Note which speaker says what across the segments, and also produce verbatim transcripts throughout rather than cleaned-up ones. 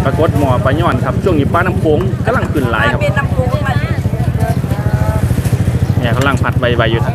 Speaker 1: ปรากฏหมอปลาย่อนครับช่วงนี้ปลาน้ำโขงกำลังขึ้นหลายครับ
Speaker 2: เป็นน้ำโขงมา
Speaker 1: เนี่ยกำลังผัดใบใบอยู่ครับ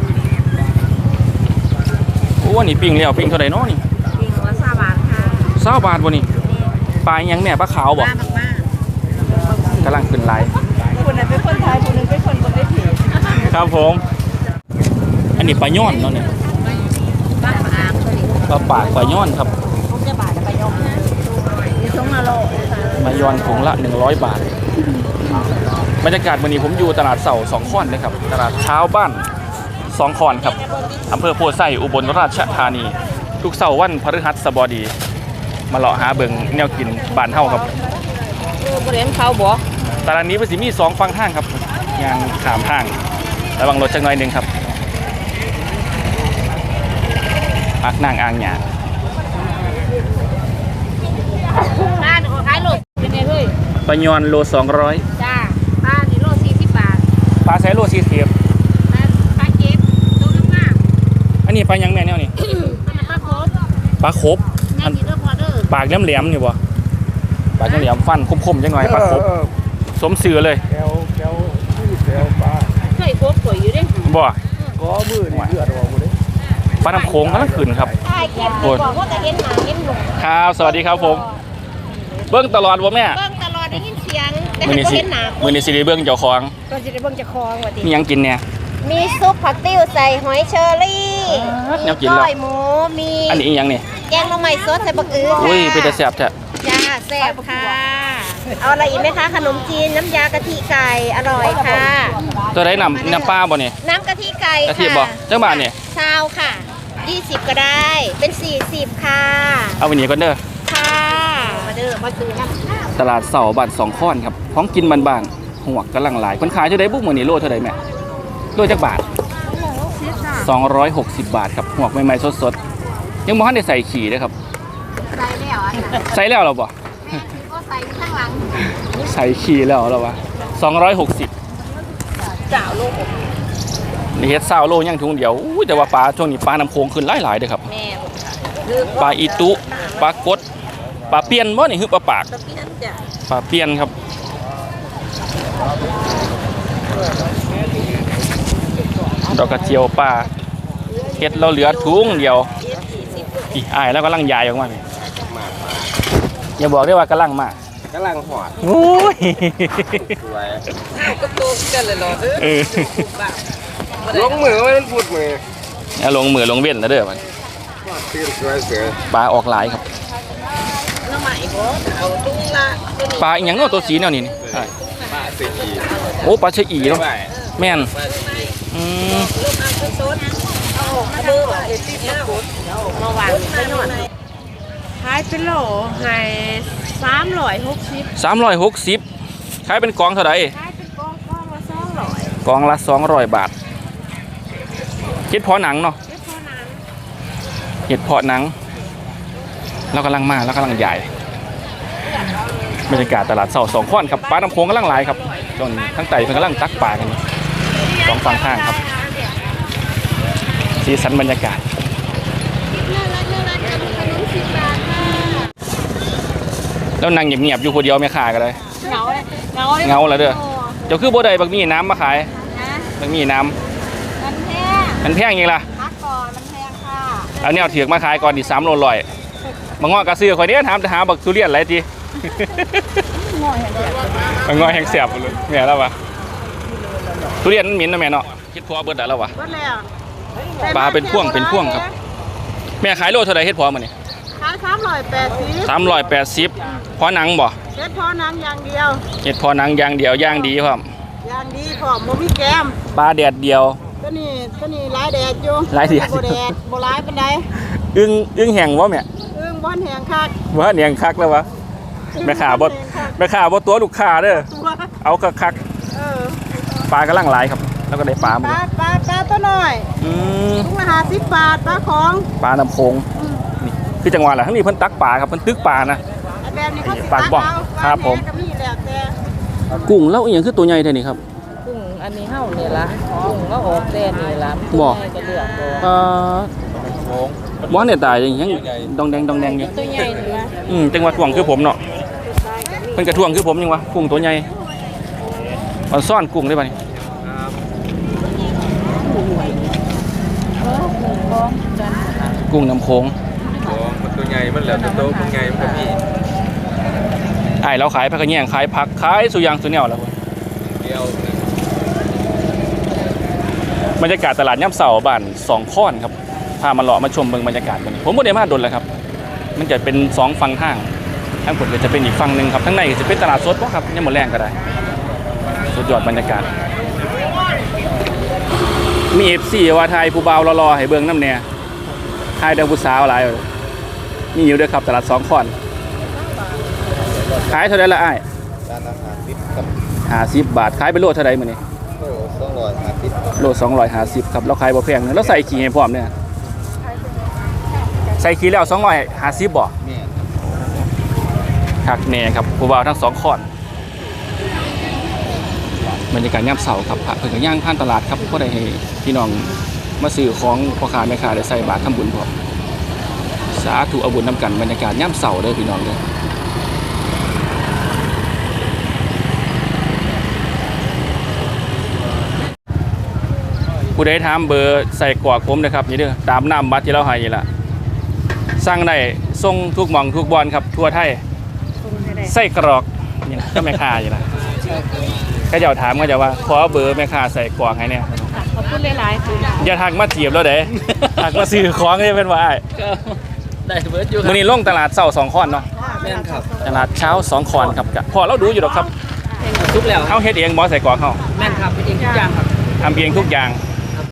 Speaker 1: โอ้นี่ปิ้งแล้วปิ้งเท่าไหร่เนาะนี่
Speaker 2: ปิ้งหัวซาบานค่ะ
Speaker 1: เศร้าบาทบ่นี่ปลายังแม่ปลาขาวบ่กำลังขึ้นหลาย
Speaker 2: คนนึงเป็นคนไทยคนนึงเป็นคนบนได้ผี
Speaker 1: ครับผมอันนี้ปลาย่อนเนาะเนี่ย
Speaker 2: ปลาปาก
Speaker 1: ปลาปากปลาย่อนครับ
Speaker 2: ผมจะบาทจะไปยอมนี่สองมาโล
Speaker 1: มายอนถุงละหนึ่งร้อยบาทบรรยากาศวันนี้ผมอยู่ตลาดเสาสองข้อนนะครับตลาดเช้าบ้านสองข้อนครับอำเภอโพไซอุบลราชธานีทุกเสาร์วันพฤหัสบดีมาเลาะหาเบิงแนวกินบ้านเฮาครับ
Speaker 2: บริเวณเขาบ่
Speaker 1: ตลาดนี้เป็นสิมีสองฝั่งทางครับยางขามทางระวังรถจักหน่อยหนึ่งครับอักนางอ่างหยา
Speaker 2: ป้าหนูขายโลเป็นไงเฮ้ย
Speaker 1: ปลายอนโลสองร้อย
Speaker 2: จ้าป้านี่โลสี่สิบบาท
Speaker 1: ปลาไซโลสี่สิบ
Speaker 2: ปลาเก็บตัวมาก
Speaker 1: อันนี้ปลายังแม่เนี่ยนี่
Speaker 2: ปลาโคบ
Speaker 1: ปลาโคบปากแหลมๆอยู่บ่ปากแหลมๆฟันคมๆจังหน่อยปลาโคบสมสื่อเลย
Speaker 3: แก้วแก้วแก้วปลา
Speaker 2: เคยโคบสวยอยู่ดิ
Speaker 1: บ่
Speaker 3: ก็มือนี่เลือดออกหมดเลย
Speaker 1: ปลาน้ำโขงกำลังขึ้นครับ
Speaker 2: โอ้ยบอกว่าจะเห็นหมาเห็นหนุ่ม
Speaker 1: ครับสวัสดีครับผมเบิ้งตลอดวะแม่
Speaker 2: เบิ้งตลอดได้ยินเสียงแต่
Speaker 1: มือนี้สิมือนี้สิได้เบิ้งเจ้าของ
Speaker 2: ก็จะได้เบิ้งเจ้าของว่าดิ
Speaker 1: มียังกินเนี่ย
Speaker 2: มีซุปผักติ้วใส่หอยเชอรี่
Speaker 1: มีก้
Speaker 2: อยหมูมี
Speaker 1: อันนี้ยังนี่
Speaker 2: แกงละไม้สดใส่บักอื้อค่ะ
Speaker 1: อุ้ยเป็นแต่แซ่บแท้
Speaker 2: จ้าแซ่บค่ะเอาอะไรอีกไหมคะขนมจีนน้ำยากะทิไก่อร่อยค่ะ
Speaker 1: ตัวไหนน้ำน้ำปลาบ่เนี่ย
Speaker 2: น้ำกะทิไก่
Speaker 1: กะทิบ่เจ้าบ้านเนี่ย
Speaker 2: ชาวค่ะยี่สิบก็ได้เป็นสี่สิบค่ะ
Speaker 1: เอาวันนี้ก่อนเด้อ
Speaker 2: ค่ะมาเด้อมาซื้อน้
Speaker 1: ำตลาดเสาบ้านสองข้อนครับของกินบ้านๆหัวกำลังหลายคนขายเท่าใดบุกมื้อนี้โลเท่าใดแม่โลจักบาทสองร้อยหกสิบบาทครับหัวใหม่ๆสดๆยังบ่ทันได้ใส่ขี้เลยครับ
Speaker 2: ใส่แล้ว
Speaker 1: ใส่แล้วเหรอบ่
Speaker 2: ก็ใส่ข้างหลัง
Speaker 1: ใส่ขี้แล้วเหรอวะสองร้อยหกสิบ
Speaker 2: จ่าโล
Speaker 1: นี่เฮ็ดซาวโลยังถุงเดียวอู้แต่ว่าปลาช่วงนี้ปลาน้ำโขงขึ้นหลายๆเด้อครับปลาอีตุปลากดปลาเปียนบ่นี่คือปลาปากปลาเปียนครับดอกกระเจียวปลาเฮ็ดเราเหลือถุงเดียวอีอ้ายแล้วกำลังใหญ่ออกมาอย่าบอกได้ว่ากำลังมาก
Speaker 3: กำลังหอด
Speaker 1: โอ้ย
Speaker 3: สวยก็โตกันเลยเนาะ
Speaker 1: เออ
Speaker 3: ลงมือไม่ต้องพูดมือ
Speaker 1: เนี่ยลงมือลงเว้นนะเด้อมันปลาออกหลายครับปลาอย่างนั้นตัวสีแนวนี้นี่โอ้ปลาเชอีเนาะแม่นอืม
Speaker 2: ขายเป็นโหลให้สามร้อยหกสิบ
Speaker 1: สามร้อยหกสิบขายเป็นกองเท่าไหร่
Speaker 2: ขายเป็นกองกองละสองร้อย
Speaker 1: กองละสองร้อยบาทเห็ดเพาะหนังเนาะเห็ดเพาะหนังเรากำลังมาเรากำลังใหญ่บรรยากาศตลาดเสาสองข้อนครับปลาน้ำโขงกำลังหลายครับตอนทั้งไต่เพิ่งกำลังตักปลากันสองฝั่งทางครับสีสันบรรยากาศแล้วนั่งเงียบๆอยู่คนเดียวไม่ขายกันเลย
Speaker 2: เงาเลยเงา
Speaker 1: เงาแล้วเด้อเจ้าคือบ่ได้บักมีน้ำมาขายบักมีน้ำ
Speaker 2: มันแพง
Speaker 1: มันแพงยังล่ะ
Speaker 2: พักก่อนมันแพงค่ะ
Speaker 1: เอาเนี่ยถือมาขายก่อนดิสามโลลอยบางงอกระซื้อคอยเนี้ยถามจะหาบักทุเรียนอะไรจีบางงอแห้งเสียบเลยแม่แล้ววะทุเรียนมันหมิ่นนะแม่เนาะคิดพอเบิดได้แล้ววะปลาเป็นพ่วงเป็นพ่วงครับแม่ขายโลเท่าไรเฮ็ดพอมันนี่
Speaker 2: ขายสามร้อยแปดสิบ
Speaker 1: สามร้อยแปดสิบพอหนังบ่
Speaker 2: เฮ็ดพอหนังอย่างเดียว
Speaker 1: เฮ็ดพอหนังอย่างเดียวย่างดีพร้อม
Speaker 2: ย่างดีพร้อมบ่มีแกม
Speaker 1: ปลาแดดเดียว
Speaker 2: ตัวนี้ตัวนี้หลายแดดอยู่
Speaker 1: หลายแดด
Speaker 2: บ่แดดบ่หลายปานใด
Speaker 1: อึ้งอึ้งแห้งบ่แม่
Speaker 2: อึ้งบ่แห้งคัก
Speaker 1: บ่แห้งคักแล้ววะแม่ค้าบ่แม่ค้าบ่ตัวลูกค้าเด้อเอาคักๆเออปลากำลังหลายครับแล้วก็ได้ปลา
Speaker 2: ปลาปลาปลาตัวน้อย
Speaker 1: อืม
Speaker 2: ถุงละห้าสิบบาทปลาของ
Speaker 1: ปลาน้ำโขงนี่คือจังหวัดแหละทั้งนี้เพิ่นตักปลาครับเพิ่นตึกปลานะ
Speaker 2: แบบนี้เขา
Speaker 1: ปลาบ่ครับผมกุ้งแล้วอีหยังคือตัวใหญ่แท้นี่ครับ
Speaker 2: กุ้งอันนี้เฮานี่ล่ะกุ้งแล้วออกแท้นี่ล่ะ
Speaker 1: บ่
Speaker 2: ก็เลือกบ่
Speaker 1: เอ่อบ่เนี่ยตายยังดองแดงดองแดงอยู่
Speaker 2: ตัวใหญ่นี่ล่ะ
Speaker 1: อืมจังหวัดกวางคือผมเนาะเพิ่นกระท่วงคือผมยังวะกุ้งตัวใหญ่มันซ่อนกุ้งได้ป่ะนี่กุ้งน้ำโขง
Speaker 3: มันตัวใหญ่มันแล้วตัวโตมันใหญ่มันก็มี
Speaker 1: ไอ้เราขายผักกระแยงขายผักขายสุยางสุแนวแล้วพุ่น
Speaker 3: เดียว
Speaker 1: บรรยากาศตลาดย่ำเสาบ้านสองข้อนครับพามาเลาะมาชมเบิ่งบรรยากาศกันผมบ่ได้มาดนแล้วครับมันจะเป็นสองฝั่งทางทางผมก็จะเป็นอีกฝั่งหนึ่งครับทั้งในก็จะเป็นตลาดสดบ่ครับยังหมดแรงก็ได้สุดยอดบรรยากาศมีเอฟซีว่าไทยผู้บ่าวรอๆให้เบิ่งน้ำเนี่ยไทยเดิมผู้สาวหลายมีอยู่ด้วยครับตลาดสองข้อนขายเท่าไหร่ละอ้าย
Speaker 3: ร้านอาหารติดกับ
Speaker 1: ห้าสิบบาทขายไปโลเท่าไหร่มื้อนี้
Speaker 3: โอ้สองร้อยห้าสิบ
Speaker 1: โลสองร้อยห้าสิบครับเราขายบ่แพงเนอะแล้วใส่ขี้ให้พร้อมเนี่ยใส่ขี้แล้วสองร้อยห้าสิบบ่
Speaker 3: แม่
Speaker 1: คักแน่ครับผู้บ่าวทั้งสองข้อนบรรยากาศย่ำเสาครับพระเพิ่นก็ย่างผ่านตลาดครับบ่ได้ให้พี่น้องมาซื้อของพ่อค้าแม่ค้าได้ใส่บาตรทำบุญพร้อมสาธุเอาบุญนำกันบรรยากาศย่ำเสาเด้อพี่น้องเด้อผู้ใดถามเบอร์ใส่กรอกผมนะครับนี่เด้อตามน้ำบัตรที่เราให้นี่ล่ะสั่งได้ส่งทุกหม่องทุกบอนครับทั่วไทยใส่กรอกนี่นะก็แม่ค้าอยู่ล่ะก็เจ้าถามก็จะว่าขอเบอร์แม่ค้าใส่กรอกให้เนี่ย
Speaker 2: ขอบคุณหลายๆค่ะ
Speaker 1: อย่าทักมาจีบแล้วเด้ ทักมาซื้อของให้เป็นว่าอ้าย
Speaker 3: ได้เบิร์ดอยู่ครั
Speaker 1: มื้อนี้ลงตลาดเช้าสองคอนเนาะ
Speaker 3: แม่นครับ
Speaker 1: ตลาดเช้าสองคอนครับกะพอเราดูอยู่ดอกครับ
Speaker 3: ทุกแล้ว
Speaker 1: เฮาเฮ็ดเองบ่ใส่กรอกเฮา
Speaker 3: แม่นครับเป็นเองทุกอย่างครับ
Speaker 1: ทำเองทุกอย่าง